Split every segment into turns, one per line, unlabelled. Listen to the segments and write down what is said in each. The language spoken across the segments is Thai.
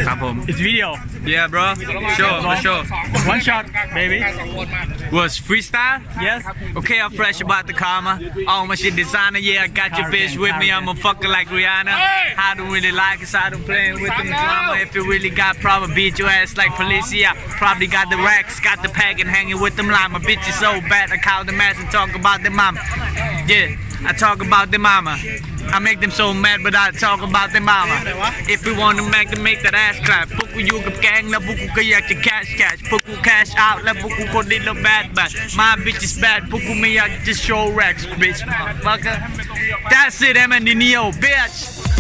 ครับผม
It's video.
Yeah bro sure for sure
One shot, baby.
was freestyle
Yes.
okay I'm fresh about the karma all my shit designer yeah I got your bitch with me I'm a fucker like Rihanna I don't really like it so I don't play with them drama if you really got problem beat your ass like police yeah probably got the racks got the pack and hanging with them line my bitch is so bad I call them ass and talk about them mama yeah I talk about them mama I make them so mad but I talk about them mama if we want to make that ass clap พวกกูอยู่กับแก๊งแล้วพวกกูก็อยากจะ cash พวกกู cash out แล้วพวกกูคนลิ้นแล้ว bad my bitch is bad พวกกูไม่อยากจะ show racks bitch motherfucker that's it I'm in the neo bitch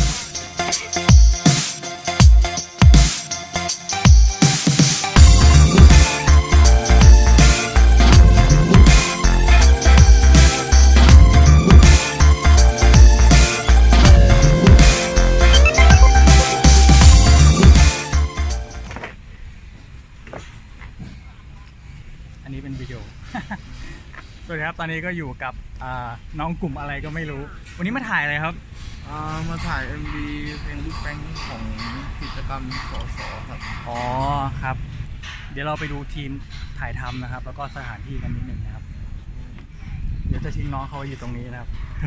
อันนี้เป็นวิดีโอ สวัสดีครับ ตอนนี้ก็อยู่กับน้องกลุ่มอะไรก็ไม่รู้ วันนี้มาถ่ายอะไรครับ
มาถ่าย MV เพลงลูกแป้งของกิจกรรมสสครับ
อ๋อครับ เดี๋ยวเราไปดูทีมถ่ายทำนะครับ แล้วก็สถานที่กันนิดหนึ่งนะครับ เดี๋ยวจะทิ้งน้องเขาอยู่ตรงนี้นะครับ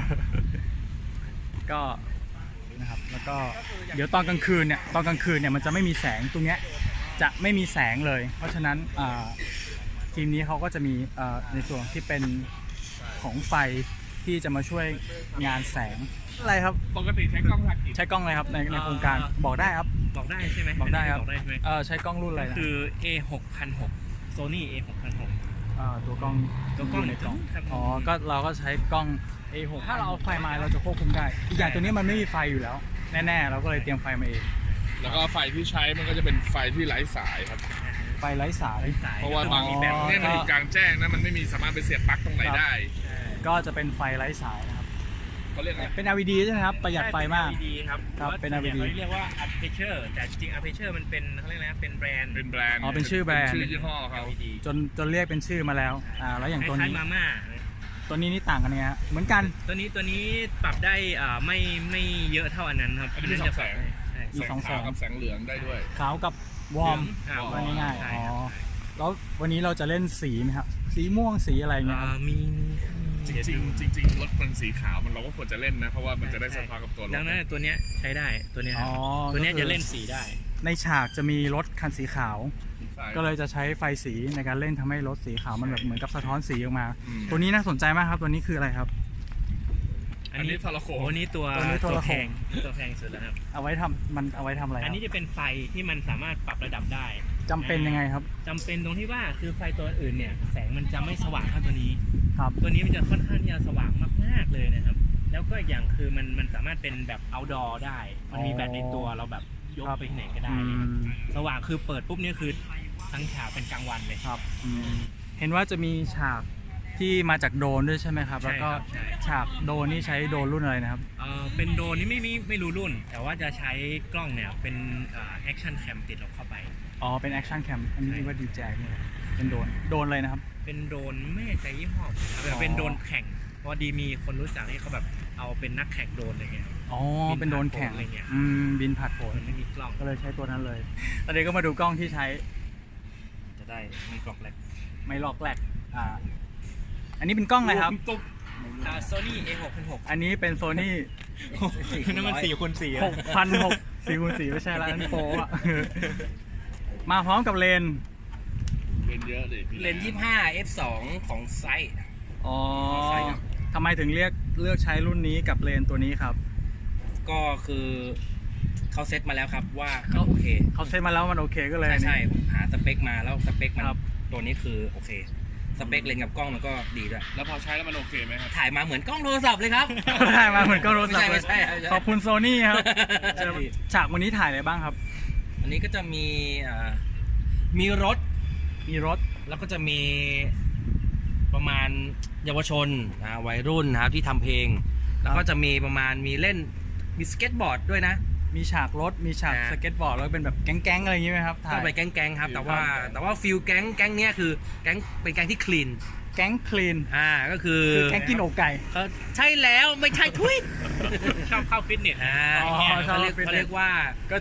ก็นะครับ แล้วก็เดี๋ยวตอนกลางคืนเนี่ยมันจะไม่มีแสงตรงเนี้ยจะไม่มีแสงเลย เพราะฉะนั้นทีมนี้เขาก็จะมีในส่วนที่เป็นของไฟที่จะมาช่วยงานแสงอะไรครับ
ปกติใช้กล้องถ่ายกี่
ใช้กล้องอะไรครับในโครงการบอกได้ครับ
บอกได้ใช่ไหม
บอกได้ครับ
บอกได้ใช่ไหม
ใช้กล้องรุ่นอะไรนะ
คือ A6006 Sony A6006
ตัวกล้อง
ตัวกล้อง
ยู่ในกล้อง
ครับ
อ๋อก็เราก็ใช้กล้อง A6 ถ้าเราเอาไฟมาเราจะควบคุมได้อีกอย่างตัวนี้มันไม่มีไฟอยู่แล้วแน่ๆเราก็เลยเตรียมไฟมาเอง
แล้วก็ไฟที่ใช้มันก็จะเป็นไฟที่ไร้สายครับ
ไฟไร้สาย
เพราะว่าบางแบบเนี่ยมันอยู่กลางแจ้งนะมันไม่มีสามารถไปเสียบปลั๊กตรงไหนได้
ก็จะเป็นไฟไร้สายนะครับ
เขาเรียกอะไร
เป็น LED ใช่ไหมครับประหยัดไฟมาก
เป็น LED ครับ
ครับเป็น LED
เขาเรียกว่า Aperture แต่จริงๆ Aperture มันเป็นเขาเรียกอะไรนะเป็นแบรนด์
เป็นแบรนด์
อ๋อเป็นชื่อแบรนด์
ชื่อยี่ห้อเขา
LED
จนเรียกเป็นชื่อมาแล้วแล้วอย่าง
ค
ตัว
ล้าย
นี้
ๆมาม่า
ตัวนี้นี่ต่างกันไงฮะเหมือนกัน
ตัวนี้ปรับได้ไม่เยอะเท่าอันนั้นครับ
อันนี้มีสองแสง
ใช่
มี
แสงขาวกับแสงเหลืองได้ด้วย
ขาวกับวอร์ม
วอร์ม
ง่ายๆ
ใช่
อ๋อ
ครับ
แล้ววันนี้เราจะเล่นสีไหมครับสีม่วงสีอะไรเงี้ยครับ
มี
จริงรถมันสีขาวมันเราก็ควรจะเล่นนะเพราะว่ามันจะได้สะท้อนกับตัวรถ
ดังนั้นตัวเนี้ยใช้ได้ตัวเนี้ยครับ
อ๋อ
ตัวเนี้ย
ก็คือ
จะเล่นสีได้
ในฉากจะมีรถคันสีขาว
ใช่
ก็เลยจะใช้ไฟสีในการเล่นทำให้รถสีขาวมันแบบเหมือนกับสะท้อนสีออกมา
อืม
ตัวนี้น่าสนใจมากครับตัวนี้คืออะไรครับ
อันนี้ทรโขง
โอ้นี่ตัว
ตัวนี้โทรโขง
ตัวแพงสุดแล้วครับ
เอาไว้ทำมันเอาไว้ทำอะไรค
อัน
รับ
นี้จะเป็นไฟที่มันสามารถปรับระดับได้
จำเป็นยังไงครับ
จำเป็นตรงที่ว่าคือไฟตัวอื่นเนี่ยแสงมันจะไม่สว่างเท่าตัวนี้
ครับ
ตัวนี้มันจะค่อนข้างที่จะสว่างมากๆเลยนะครับ แล้วก็อีกอย่างคือมันสามารถเป็นแบบ outdoor ได้ มันมีแบตในตัวเราแบบยกไปที่ไหนก็ได้
อืม
สว่างคือเปิดปุ๊บเนี่ยคือทั้งฉากเป็นกลางวันเลย
ครับเห็นว่าจะมีฉากที่มาจากโดรนด้วยใช่ไหมครับ
ใช่
แล้วก็
ครับใช่
ฉากโดรนนี่ใช้โดรนรุ่นอะไรนะครับ
เป็นโดรนนี่ไม่รู้รุ่น แต่ว่าจะใช้กล้องเนี่ยเป็นแอคชั่นแคมติดเข้าไป
อ๋อเป็นแอคชั่นแคมอันนี้
ใช่
เรียกว่าดีแจนี่เป็นโดรนอะไรนะครับ
เป็นโดรนไม่แน่ใจยี่ห้อแต่เป็นโดรนแข่งเพราะดีมีคนรู้จักที่เขาแบบเอาเป็นนักแข่งโดรนอะไรเงี้ย
อ๋อเป็นโดรนแข่ง
บินผ่านโผล่อะไรเงี้ย
บินผ่านโผล่
มันไม่มีกล้อง
ก็เลยใช้ตัวนั้นเลยตอนนี้ก็มาดูกล้องที่ใช้
จะได้ไม่กล้องแรก
ไม่ลอกแหลกอันนี้เป็นกล้องอะไรครับ
Sony A6006
อันนี้เป็นโซนี่
นั่นมัน4x4
6,600 4x4ไม่ใช่ละนั่นโฟอ่ะ มาพร้อมกับเลนส์
เป็นเยอะเลย
เลนส์25 f2 ของไซส์
อ๋อ
ใช่ครับ
ทำไมถึงเลือกใช้รุ่นนี้กับเลนส์ตัวนี้ครับ
ก็คือเขาเซตมาแล้วครับว่ามันโอเค
เขาเซ็ตมาแล้วมันโอเคก็เลย
ใช่ผมหาสเปคมาแล้วสเปคมัน
ครับ
ตัวนี้คือโอเค สเปคเลนส์กับกล้องมันก็ดีด้วย
แล้วพอใช้แล้วมันโอเคไหมครับ
ถ่ายมาเหมือนกล้องโทรศัพท์เลยครับ
ได้มาเหมือนกล้องโทรศัพท์เล
ไม่
ย
ใช่ไม่ใช่
ขอบคุณโซนี่ครับ
ใช่
ฉากวันนี้ถ่ายอะไรบ้างครับ
อันนี้ก็จะมีรถ
มีรถ
แล้วก็จะมีประมาณเยาวชนวัยรุ่นนะครับที่ทำเพลง แล้วก็จะมีประมาณมีเล่นมีสเก็ตบอร์ดด้วยนะ
มีฉากรถมีฉากสเก็ตบอร์ดแล้วเป็นแบบแก๊งๆอะไรอย่างงี้ไหมครับถ่า
ก็
ย
ไปแก๊งๆครับแต่ว่าฟิลแก๊งเนี้ยคือแก๊งเป็นแก๊งที่คลีน
แก๊งคลีน
ก็คือ
แก๊งกินอกไก่
ใช่แล้วไม่ใช่ทุย
ชอบเข้าฟิตเนส
อ๋อชอบ
เขาเรียกว่า
ก็จะ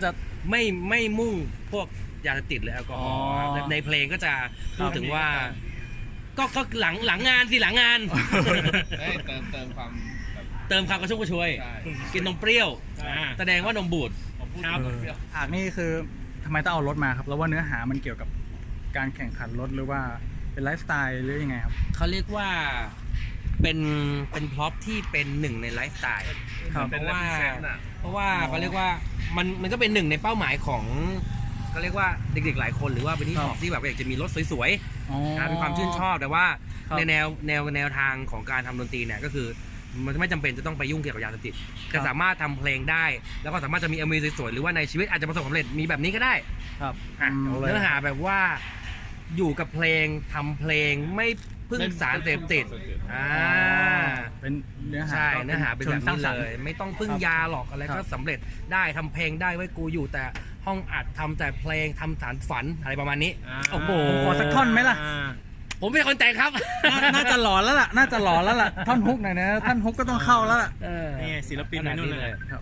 ไม่มุ่งพวกยาเสพติดหรือแอลกอฮอล์
อ๋อ
ในเพลงก็จะพูดถึงว่า ก็หลังงานสิหลังงาน
ได้เติมความแบบ
เติมความกระชุ่มกระชวย
ใช่
กินนมเปรี้ยว
อ่า
แสดงว่านมบูด
ครับ
ฉากนี่คือทำไมต้องเอารถมาครับ แล้วว่าเนื้อหามันเกี่ยวกับการแข่งขันรถหรือว่าเป็นไลฟ์สไตล์หรือยังไงครับ
เขาเรียกว่าเป็นพล็อพที่เป็นหนึ่งในไลฟ์สไตล์
ครับ
เพราะว่าเขาเรียกว่ามันก็เป็นหนึ่งในเป้าหมายของเขาเรียกว่าเด็กๆหลายคนหรือว่าเป็นที่ชอบที่แบบอยากจะมีรถสวย
อ๋อ
ๆนะเป็นความชื่นชอบแต่ว่า
ครับ
ในแนวทางของการทำดนตรีเนี่ยก็คือมันไม่จำเป็นจะต้องไปยุ่งเกี่ยวกับยาเสพติดจะสามารถทำเพลงได้ แล้วก็สามารถจะมีMVสวยๆหรือว่าในชีวิตอาจจะประสบความสำเร็จมีแบบนี้ก็ได้
ครับ
อ่ะ
เอาเลย
เนื้อหาแบบว่าอยู่กับเพลงทำเพลงไม่พึ่งสารเสพติด
เป็นเนื้อหา
ใช่
ก็
เนื้อหาเป็นแบบ
ชิงสร้าง
นี้
สรร
เล
ค์
ย ไม่ต้องพึ่ง
ครับ
ยาหรอกอะไร
ครั
ก็
บ
สำเร็จได้ทำเพลงได้ไว้กูอยู่แต่ห้องอัดทำแต่เพลงทำสารฝันอะไรประมาณนี้ โอ้โห
ผมขอสักท่อนไหมล่ะ
ผมเป็นคนแต่งครับ
น่าจะหลอนแล้วล่ะ น่าจะหลอนแล้วล่ะ ท่อนฮุกหน่อยนะ ท่อนฮุกก็ต้องเข้าแล้วล่ะ
นี่ไงศิลปินไปนู่นเลย
ครับ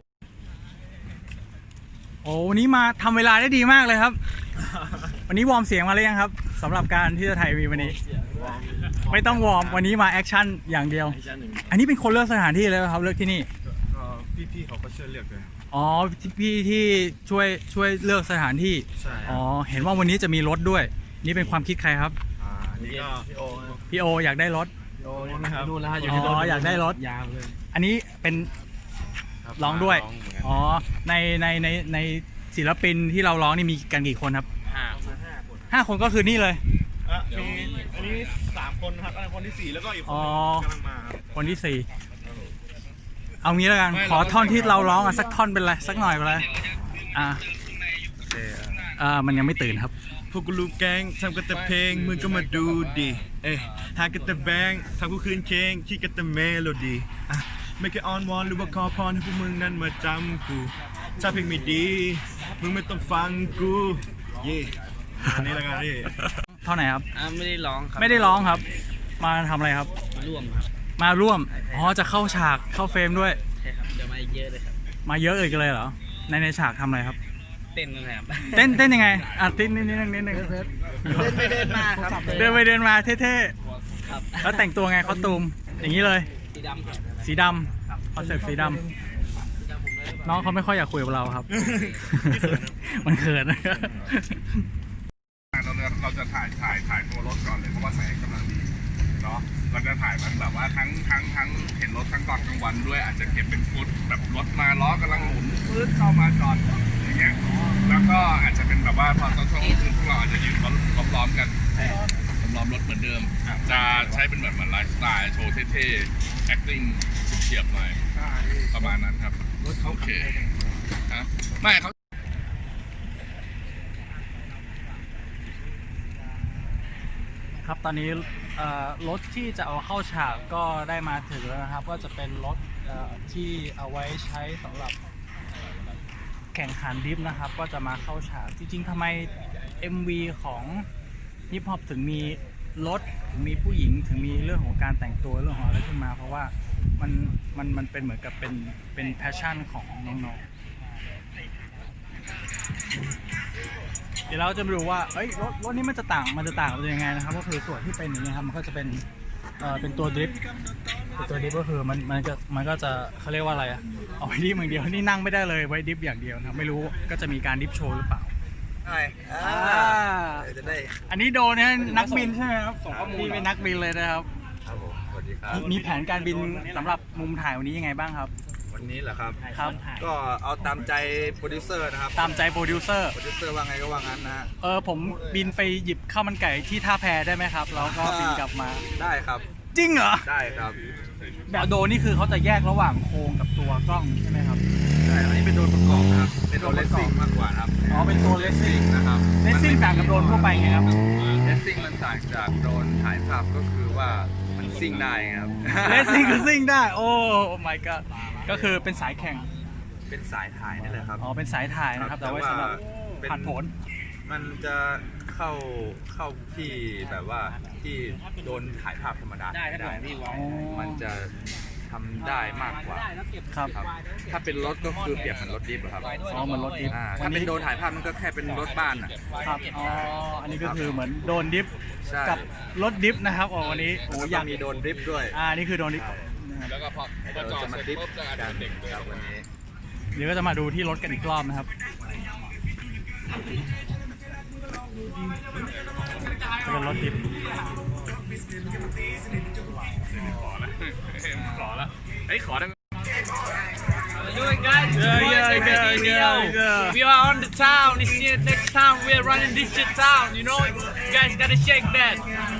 โอ้วันนี้มาทำเวลาได้ดีมากเลยครับ วันนี้วอร์มเสียงมาหรือยังครับสำหรับการที่จะถ่ายวีวันนี้ ไม่ต้องวอร์มวันนี้มาแอคชั่นอย่างเดียว อันนี้เป็นคนเลือกสถานที่เลยไหมครับเลือกที่นี่
พี่ๆเขาก็ช่วยเลือกเลย
อ๋อพี่ที่ช่วยเลือกสถานที่
ใช่
อ๋อเห็นว่าวันนี้จะมีรถด้วย นี่เป็นความคิดใครครับ
นี่ก็พี่โอ
พี่โออยากได้รถ
โอนะครับ
นู่นแล้วฮะ
อ๋ออยากได้รถ
ยาวเลย
อันนี้เป็นร้องด้วย อ๋อในศิลปินที่เราร้องนี่มีกันกี่คนครับ5 คนก็คือนี่เลย
อันนี้3 คนครับอันนี้คนที่ 4 แล้วก็อีกคน
อ๋อ
กำลังมาครับ
คนที่ 4 เอางี้แล้วกัน ขอท่อนที่เราร้องอ่ะสักท่อนเป็นไรสักหน่อยเป็นไรมันยังไม่ตื่นครับ
พวกกูลูกแก๊งทำกันแต่เพลงมึงก็มาดูดิหากันแต่แบงค์ทำกูคืนเคงคิดกันแต่เมโลดี้ไม่เคยอ้อนวอนหรือว่าขอพรให้พวกมึงนั้นมาจำกูถ้าเพลงไม่ดีมึงไม่ต้องฟังกูอันนี้ละกันพี่
เท่าไหนครับ
ไม่ได้ร้องครับ
ไม่ได้ร้องครับ มาทำอะไรครับ
ร่วมครับ
มาร่วม อ๋อ จะเข้าฉาก เข้าเฟรมด้วย
ใช่ครับเดี๋ยวมาเยอะเลยครับ
มาเยอะอีกเลยเหรอ ในฉากทำอะไรครับ
เต้นนะครับ
เต้นยังไง อ่ะนิดนึง
เดินไปเดินมาครับ
เดินไปเดินมาเท่ๆ แล้วแต่งตัวไงคอสตูม อย่างนี้เลย
สีดำครับ
สีดำคอนเซ็ปต์สีดำน้องเขาไม่ค่อยอยากคุยกับเราครับ มันเขิน
เราจะถ่ายตัวรถก่อนเลยเพราะว่าแสงกำลังดีเนาะเราจะถ่ายมันแบบว่าทั้งเห็นรถทั้งตอนกลางวันด้วยอาจจะเก็บเป็นฟุตแบบรถมาล้อกำลังหมุนปื๊ดเข้ามาจอดอย่างเงี้ยแล้วก็อาจจะเป็นแบบว่าพอตอนช่วงคืนพวกเราอาจจะยืนล้อมๆกันล้อมรถเหมือนเดิมจะใช้เป็นเหมือนไลฟ์สไตล์โชว์เท่ๆ acting เฉียบๆหน่อยประมาณนั้นครับโอเคฮะไม่เขา
ครับตอนนี้รถที่จะเอาเข้าฉากก็ได้มาถึงแล้วนะครับ ก็จะเป็นรถที่เอาไว้ใช้สำหรับแข่งขันดริฟต์นะครับ ก็จะมาเข้าฉากจริงๆทำไม MV ของฮิปฮอปถึงมีรถถึงมีผู้หญิงถึงมีเรื่องของการแต่งตัวเรื่องของอะไรขึ้นมา เพราะว่ามันเป็นเหมือนกับเป็นแพชชั่นของน้องๆเดี๋ยวเราจะมาดูว่าเอ้ยรถนี้มันจะต่างมันเป็นยังไงนะครับก็คือส่วนที่เป็นอย่างนี้ครับมันก็จะเป็นตัวดริฟต์ก็คือมันก็จะเขาเรียกว่าอะไรอะเอาไว้ดริฟต์อย่างเดียวนี่นั่งไม่ได้เลยไว้ดริฟต์อย่างเดียวนะครับไม่รู้ก็จะมีการดริฟต์โชว์หรือเปล่า
จะได้
อันนี้โดนนะนักบินใช่ไหมครับนี่เป็นนักบินเลยนะครับ
ครับผมสวัสดีครับ
มีแผนการบินสำหรับมุมถ่ายวันนี้ยังไงบ้างครับ
วันนี้เหรอครับ
ครับ
ก็เอาตามใจโปรดิวเซอร์นะครับ
ตามใจโปรดิวเซอร์
โปรดิวเซอร์ว่าไงก็ว่างั้นนะฮะ
ผมบินไปหยิบข้าวมันไก่ที่ท่าแพได้ไหมครับแล้วก็บินกลับมา
ได้ครับ
จริงเหรอ
ได้ครับ
แบบโดรนนี่คือเขาจะแยกระหว่างโครงกับตัวกล้องใช่ไหมครับ
ใช่อันนี้เป็นโดรนประกอบนะครับเป็นโดรนเลสซิ่งมากกว่าครับ
อ๋อเป็นตัวเลสซิ่ง
นะครับ
เลสซิ่งต่างกับโดรนทั่วไปไงครับ
เลสซิ่งมันต่างจากโดรนถ่ายภาพก็คือว่ามันซิ่งได้ครับ
เลสซิ่งคือซิ่งได้โอ้ my god ก็คือเป็นสายแข่ง
เป็นสายถ่ายนี่แหละครับ
อ๋อเป็นสายถ่ายนะครับแต่ไว้สำหรับ
เป็น
ผ่านผล
มันจะเข้าที่แบบว่าที่โดนถ่ายภาพธรรมดา
ได้ครับ
ไม่
พี่วอ
อ๋อ
มันจะท
ำได้มากกว่า
ครับ
ครับ ถ้าเป็นรถก็คือเปรียบเหมือนรถดิฟอะครับ
อ๋อเหมือนรถดิฟ
ถ้าเป็นโดนถ่ายภาพมันก็แค่เป็นรถบ้านอ่ะ
ครับอ๋ออันนี้ก็คือเหมือนโดนดิฟ
ใช่
กับรถดิฟนะครับอ๋อวันนี้โอ้อยาก
มีโดนดริฟต์ด้วย
นี่คือโดนดิฟ
แล้วก็พอ
เราจะมาดริฟต์กันครับวันนี้
เดี๋ยวก็จะมาดูที่รถกันอีกรอบนะครับจะเป็นรถดิฟ
ขอแล้วเฮ้ยขอได้
Doing guys, we are on the town. This year, next time we are running this shit town. You know, you guys gotta shake that.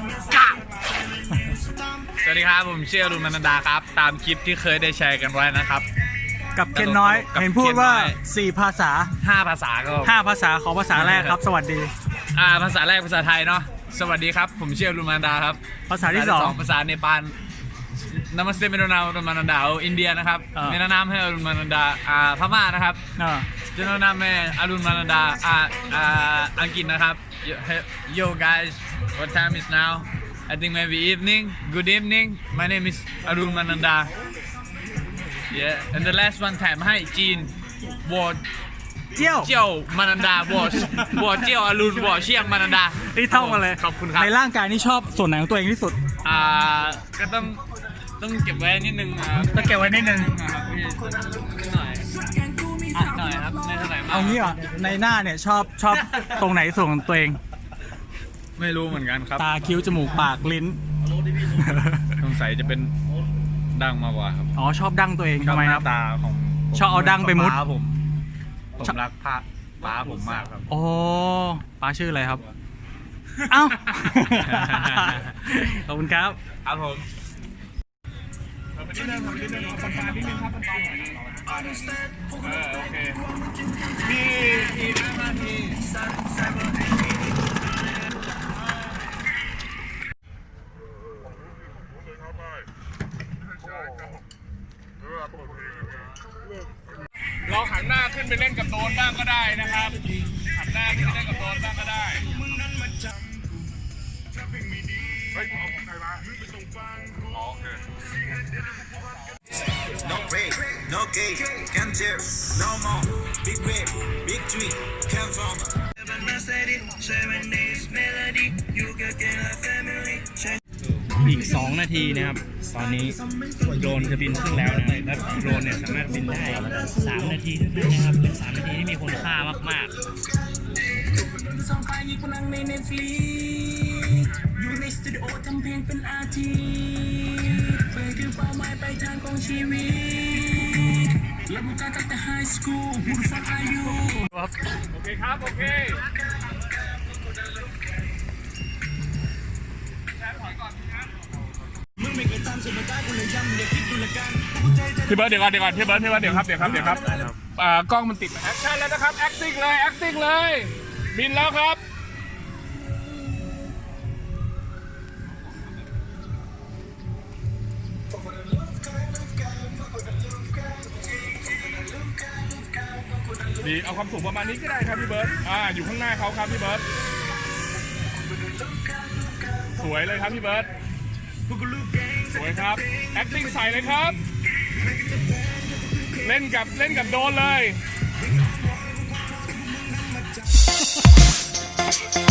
สวัสดีครับผมชื่ออรุณมนันดาครับ ตามคลิปที่เคยได้แชร์กันไว้นะครับ
กับเคนน้อย
กับ
เห็นพูดว่า
เคนน้อย
4 ภาษา
5 ภาษาก็
5 ภาษาขอภาษาแรกครับ สวัสดี
ภาษาแรกภาษาไทยเนาะสวัสดีครับผมชื่ออรุณมนันดาครับ
ภาษาที่ 2
ภาษาเนปาลนามัสเตเมโดนาอรุณมนันดาอินเดียนะครับ
อ่า
เมนานามให้อรุณมนันดาพม่านะครับ เจนนามให้อรุณมนันดาอังกฤษนะครับ Yo guys what time is now I think maybe evening good evening my name is Arun Mananda yeah and the last one time ให้จีนวอ
เจี้ยว
เจียวมานันดาวอเจียวอรุณวอเชียงมานันดา
นี่ท่องมาเลย
ขอบคุณครับ
ในร่างกายนี่ชอบส่วนไหนของตัวเองที่สุด
ก็ต้องเก็บไว้นิดนึง
ต้องเก็บไว้นิดนึง
ครับพี่หน่อยหน่อยครับไม่เท่าไหร่มาก
เอางี้เหรอในหน้าเนี่ยชอบตรงไหนส่วนของตัวเอง
ไม่รู้เหมือนกันครับ
ตาคิ้วจมูกปากลิ้น
สงสัยจะเป็นดังมากกว่าครับ
อ๋อชอบดั้งตัวเองทำไมครับ
ตาของ
ชอบเอาดั้งไปมุด
ป้าผมรักป้าผมมากครับ
โอ้ป้าชื่ออะไรครับ เอ้า ขอบคุณครับ
ครับผม
โอเคมี5 นาที เราหันหน้าขึ้นไปเล่นกับโดรนบ้างก็ได้นะครับ หันหน้าขึ้นไปเล่นกับโดรนบ้างก็ได้เฮ้ยเอาของใครมาอ๋อโอเค
No break, no gate, can't tear, no more. Big wave, big tree, can't fall.
อีก 2 นาทีนะครับ ตอนนี้โดรนจะบินขึ้นแล้วนะและโดรนเนี่ยสามารถบินได้ 3 นาทีเท่านั้นนะครับ เป็น 3 นาทีที่มีคุณค่ามากๆ
อยู่ในสตูดิโอทำเพลงเป็นอาชีพเพื่อคือเป้าหมายปลายทางของชีวิตและมุ่งการตั้งแต่ไฮสคูลมุ่งฟังอายุ
โอเคครับ โอเค พี่เบิร์ดเดี๋ยวก่อนพี่เบิร์ดเดี๋ยวครับกล้องมันติดแอคชั่นแล้วนะครับ acting เลย บินแล้วครับ ดีเอาความสูงประมาณนี้ก็ได้ครับพี่เบิร์ดอยู่ข้างหน้าเขาครับพี่เบิร์ดสวยเลยครับพี่เบิร์ดสวยครับ acting ใส่เลยครับ เล่นกับโดนเลย